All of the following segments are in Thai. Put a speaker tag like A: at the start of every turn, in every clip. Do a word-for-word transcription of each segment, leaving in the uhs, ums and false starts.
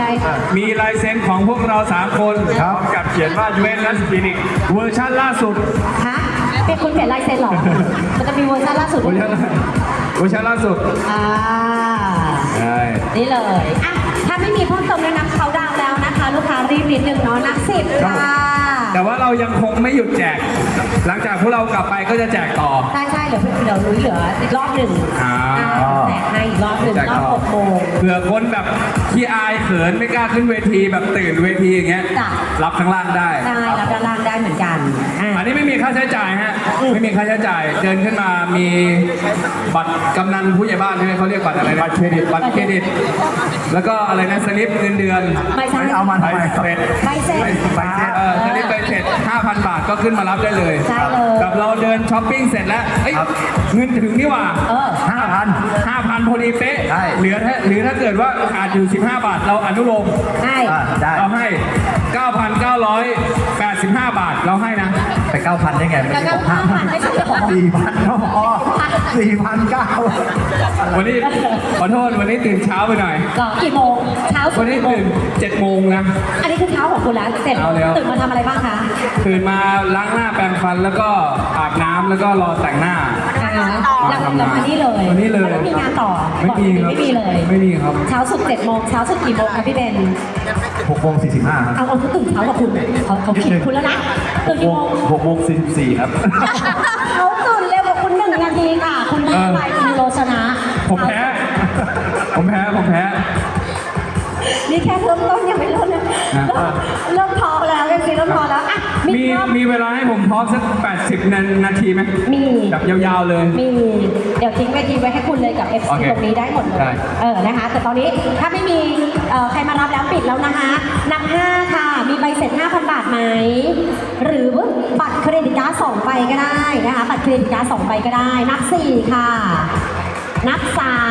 A: มีลายเซ็นของพวกเราสามคนพร้อมกับเขียนว่ายูเวนลัสคลินิกเวอร์ชันล่าสุด
B: ฮะเป็นคุณเขียนลายเซ็นเหรอ มันจะมีเวอร์ชันล่าสุด
A: เวอร์ชันเวอร์ชันล่าสุด
B: อ่า
A: ใช่
B: นี่เลยอ่ะถ้าไม่มีเพิ่มเติมเลยนะเขาดาวน์แล้วนะคะ ลูกค้ารีบนิดนึงเนาะนักสิบค่ะ
A: แต่ว่าเรายังคงไม่หยุดแจก หลังจากพวกเรากลับไปก็จะแจกต่อ
B: ใช่ใช่เดี๋ยวเดี๋ยวรู้เหลืออีกรอบหนึ่ง
A: อ่า
B: แจกให้อีกรอบหนึ่ง
A: แจก
B: รอบ
A: ต่อ
B: หกโมง
A: เผื่อคนแบบขี้อายเขินไม่กล้าขึ้นเวทีแบบตื่นเวทีอย่างเงี้ย
B: จ้ะ
A: รับข้างล่างได้
B: ได้รับด้านล่างได้เหมือนกันอ่ะ
A: อันนี้ไม่มีค่าใช้จ่ายฮะ ไม่มีค่าใช้จ่าย เดินขึ้นมามีบัตรกำนันผู้ใหญ่บ้านใช่ไหมเขาเรียกบัตรอะไรนะบัตรเครดิต บัตรเครดิต แล้วก็อะไรนะสลิปเงินเดือน
B: ไม่ใช่
C: เอามาทำไม
A: เสร็จ
B: ใบเสร็จ
A: ใบเสร็จเออสลิปใบเสร็จ ห้าพัน บาทก็ขึ้นมารับได้เลย
B: ใช่เลย
A: กับเราเดินช้อปปิ้งเสร็จแล้วเอ้ยเงินถึงนี่หว่า
B: เออ
C: ห้าพัน
A: ห้าพันพอดีเป๊ะ
C: ใช่
A: เหลือถ้าหรือถ้าเกิดว่าขาดอยู่สิบห้าบาท เราอนุโลม
B: ให้
C: อ่าได้
A: เราให้ เก้าพันเก้าร้อยแปดสิบห้า บาท เราให้นะ
C: ไปเก้าพันได้ไง
B: แล้วก็ห้าพันไม่ใช่เหรอ
C: สี่พันก็พอสี่พันเก้า
A: วันนี้ขอโทษวันนี้ตื่นเช้าไปหน่อย
B: หรอกี่โมงเช้าสุ
A: วั
B: ด
A: นนี้
B: กี่โมง
A: ตื่นเจ็ดโมงนะ
B: อันนี้คือเช้าของคุณแล้วเสร็จ
A: เอาแล้ว
B: ตื่นมาทำอะไรบ้างคะ
A: ตื่นมาล้างหน้าแปรงฟันแล้วก็อาบน้ำแล้วก็รอแต่งหน้า
B: อ่าแล้วแล้วมานี่เลย
A: วันนี้เลย
B: แล้วไม่มีงานต่อ
A: ไม่มีครับ
B: ไม่มีเลย
A: ไม่มีครับ
B: เช้าสุดเจ็ดโมงเช้าสุดกี่โมงคะพี่เบน
C: หกโมงสี่สิบห้าครับ
B: เอาเอาเขาตื่นเช้ากว่าคุณเขาเขาผิดคุณแล้วนะตื่นกี่โมง
C: หกโมงสี่สิบสี่ครับ
B: เขาตื่นเร็วกว่าคุณหนึ่งนาทีค่ะ คุณได้ไปคุณโลชนะ
A: ผมแพ้ ผมแพ้ ผมแพ้
B: นี่แค่เริ่มต้นยังไม่เริ่มเลย
A: อ่ะ
B: เริ่มพอแล้วเริ่มซีเริ่มพอแล้วอ่ะมี
A: มี
B: รอบ
A: มีเวลาให้ผมพอสักแปดสิบนาทีไหม
B: มี
A: แบบยาวๆเลย
B: มีเดี๋ยวทิ้งเวทีไว้ให้คุณเลยกับ เอฟ
A: โอ
B: ซี
A: เค
B: ตรงนี้ได้หมดเล
A: ได้
B: ยเออนะคะ แต่ตอนนี้ถ้าไม่มีเอ่อใครมารับแล้วปิดแล้วนะคะนับห้าค่ะ มีใบเสร็จ ห้าพัน บาทไหม หรือบัตรเครดิตการ์ดสองใบก็ได้นะคะ บัตรเครดิตการ์ดสองใบก็ได้ นับสี่ค่ะ นับสาม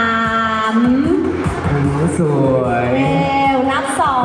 A: โอ้โหสวย
B: เร็วนับสอง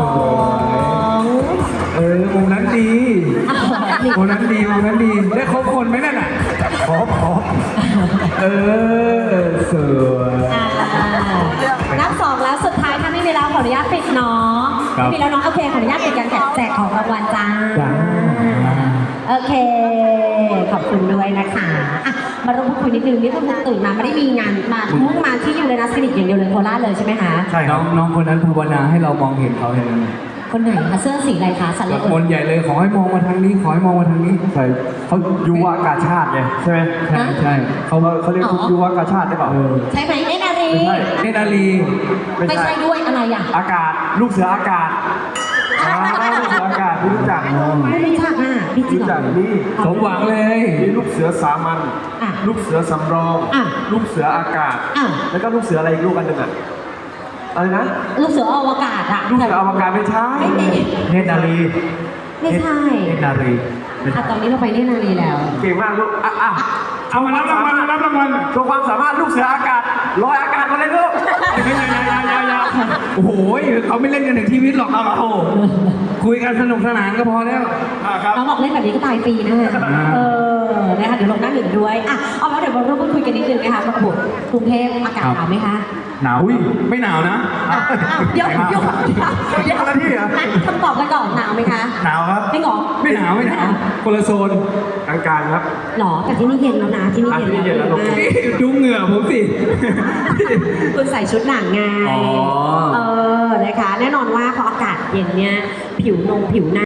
A: เออวงนั้นดีวงนั้นดีวงนั้นดี ได้ครบคนไหมนั่นอ่ะ
C: ครบครบ
A: เออ สวย
B: อ่านับสองแล้วสุดท้ายถ้าไม่มีแล้วขออนุญาตปิดเนาะ
A: ครับ
B: ไม่มีแล้วเนาะโอเคขออนุญาตปิดการแจกแจกของรางวัลจ้า
A: จ้า
B: โอเค ขอบคุณด้วยนะคะอ่ะมาร่วมพูดคุยนิดนึงนี่คุณตื่นมาไม่ได้มีงานมามุ่งมาที่ยูเรนัสคลินิกอย่างเดียวเลยโคราชเลยใช่ไหมคะ
C: ใช่ค
A: น้
C: รั
A: อบ งน้องคนนั้นภาวนาให้เรามองเห็นเขาเห็นไหม
B: คนไหนคะเสื้อสีอะไรคะสัน
A: ตะ
B: เล
A: โกนใหญ่เลยขอให้มองมาทางนี้ ขอให้มองมาทางนี้
C: ใช่เขายุวากาชาติไงใช่ไหม
A: ใช่ใช่
C: เขาเขาเรียกยุวากาชาติได้เปล่า
A: เออ
B: ใช่ไหมเนนารี
C: ไม่ใช่
A: เนตรนาลี
C: ไม่
B: ไม่
C: ใช่
B: ใช่ด้วยอะไรอ่ะ
C: อากาศลูกเสืออากาศอ่าลูกเสืออากาศไม่รู้จัก
B: ไม่รู้จักอ่ะพี่จริง
C: รู้
B: เหร
C: จั
B: อก
C: นี่
A: สมหวังเลย
C: มีลูกเสือสามัญ
B: อ่ะ
C: ลูกเสือสำรอง
B: อ่ะ
C: ลูกเสืออากาศ
B: อ่ะ
C: แล้วก็ลูกเสืออะไรอีกลูกอันหนึ่งอ่ะอะไรนะ
B: ลูกเสืออวกาศอ่ะ
C: ลูกเสืออวกาศไม่ใช่
B: ไม่มี
C: เนตรนารี
B: ไม่ใช่
C: เนตรนารีไม่
B: อ่ะ
C: ใช่
B: ตอนนี้เราไปเนนารีแล้ว
C: เก่งมากลูกอ่ะอ่ะ
A: เอามารับรางวัลรับรางวัล
C: โชว์ความสามารถลูกเสืออากาศลอยอากาศมาเลยลูก
A: ไม่ยายายายาโอ้โหเขาไม่เล่นกันถึงชีวิตหรอกเอาโอ้โหคุยกันสนุกสนานก็พอแล้ว
C: ครับ
B: น้องบอกเล่นแบบนี้ก็ตายฟรีนะฮะ
A: อ่า
B: เออ นะคะ เดี๋ยวลงหน้าหนึ่งด้วย อ่ะ เอาแล้วเดี๋ยวมาร่วมพูดคุยกันนิดนึงนะคะมาบุกกรุงเทพอากาศหนาวไหมคะ
A: หนาวอุ้ยไม่หนาวนะ
B: อ้าวอ้าวเดี๋ยวเดี๋ยวเดี๋ยวเดี๋ยว
C: คนละที่เหรอ
B: นัดคำตอบกันก่อนหนาวไหมคะ
C: หนาวครับ
B: ไม่หรอ
A: ไม่หนาวไม่หนาวคนละโซน
C: กลางๆครับ
B: หรอ แต่ที่นี่เย็นแล้วนะ ที่นี่
C: อ่ะที่นี่เย็
B: เย็น
C: นแล้
B: แล้ว ว
C: ลง
B: มาก
A: นี่ดูเหงื่อผมสิ
B: คุณใส่ชุดหนังไง
A: อ๋อ
B: เออ นะคะ แน่นอนว่าพออากาศเย็นเนี่ย ผิวนงผิวหน้า